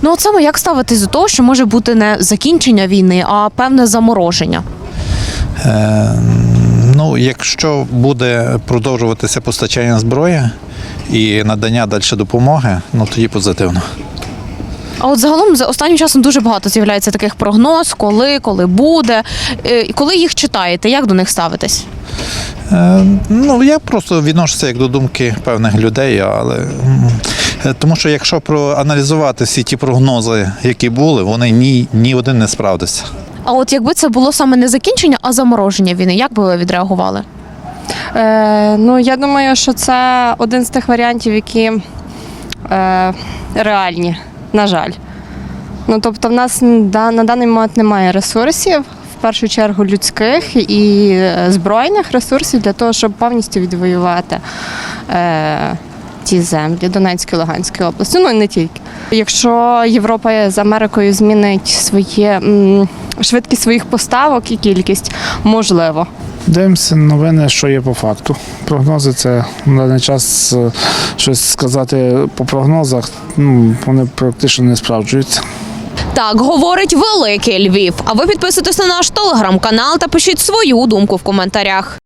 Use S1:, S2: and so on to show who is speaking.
S1: Ну от саме як ставитись до того, що може бути не закінчення війни, а певне замороження?
S2: Ну, якщо буде продовжуватися постачання зброї і надання далі допомоги, ну тоді позитивно.
S1: А от загалом за останнім часом дуже багато з'являється таких прогноз, коли буде. І коли їх читаєте, як до них ставитесь?
S2: Ну, я просто відношуся як до думки певних людей, але тому що якщо проаналізувати всі ті прогнози, які були, вони ні один не справдився.
S1: А от якби це було саме не закінчення, а замороження війни, як би ви відреагували?
S3: Ну, я думаю, що це один з тих варіантів, які реальні, на жаль. Ну, тобто, в нас на даний момент немає ресурсів, в першу чергу людських і збройних ресурсів для того, щоб повністю відвоювати ті землі Донецької, Луганської області, ну і не тільки. Якщо Європа з Америкою змінить швидкість своїх поставок і кількість, можливо.
S4: Дивимося новини, що є по факту. Прогнози – це на даний час щось сказати по прогнозах, вони практично не справджуються.
S1: Так говорить Великий Львів. А ви підписуйтесь на наш телеграм-канал та пишіть свою думку в коментарях.